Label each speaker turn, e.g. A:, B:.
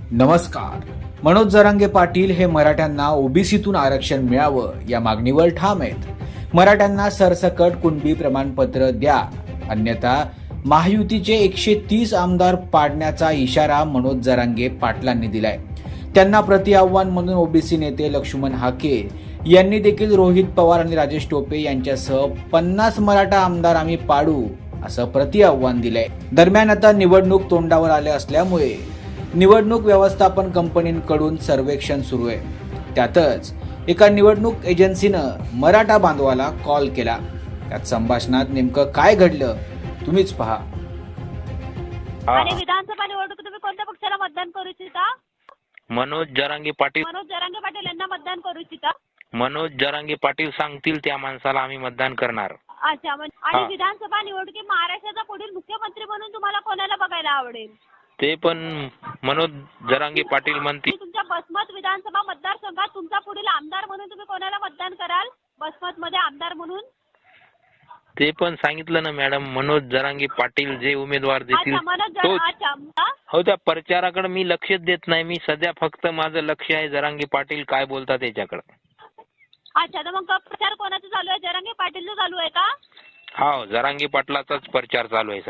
A: नमस्कार. मनोज जरांगे पाटील हे मराठ्यांना ओबीसीतून आरक्षण मिळावं या मागणीवर ठाम आहेत. मराठ्यांना सरसकट कुणबी प्रमाणपत्र द्या, अन्यथा महायुतीचे 130 आमदार पाडण्याचा इशारा मनोज जरांगे पाटलांनी दिलाय. त्यांना प्रतिआव्हान म्हणून ओबीसी नेते लक्ष्मण हाके यांनी देखील रोहित पवार आणि राजेश टोपे यांच्यासह 50 मराठा आमदार आम्ही पाडू असं प्रतिआव्हान दिलंय. दरम्यान आता निवडणूक तोंडावर आले असल्यामुळे निवडणूक व्यवस्थापन कंपनीकडून सर्वेक्षण सुरू आहे. त्यातच एका निवडणूक एजन्सीनं मराठा बांधवाला कॉल केला. त्यात संभाषणात नेमकं काय घडलं तुम्हीच पहा.
B: आणि विधानसभा निवडणूक तुम्ही कोणत्या पक्षाला मतदान करू इच्छिता?
C: मनोज जरांगे पाटील.
B: मनोज जरांगे पाटील यांना मतदान करू इच्छिता?
C: मनोज जरांगे पाटील सांगतील त्या माणसाला आम्ही मतदान करणार.
B: अच्छा. आणि विधानसभा निवडणुकीत महाराष्ट्राचा पुढील मुख्यमंत्री म्हणून तुम्हाला कोणाला बघायला आवडेल?
C: ते पण मनोज जरांगे पाटील म्हणतील.
B: तुमच्या बसमत विधानसभा मतदारसंघात तुमचा पुढील आमदार म्हणून तुम्ही कोणाला मतदान कराल? बसमत मध्ये आमदार म्हणून
C: ते पण सांगितलं ना मॅडम, मनोज जरांगे पाटील जे उमेदवार देतील हो त्या प्रचाराकडे मी लक्षच देत नाही. मी सध्या फक्त माझं लक्ष आहे जरांगे पाटील काय बोलतात याच्याकडे.
B: अच्छा. तर मग प्रचार कोणाचा चालू आहे? जरांगे पाटीलचा चालू आहे का?
C: हो, जरांगे पाटलाचाच प्रचार चालू आहे.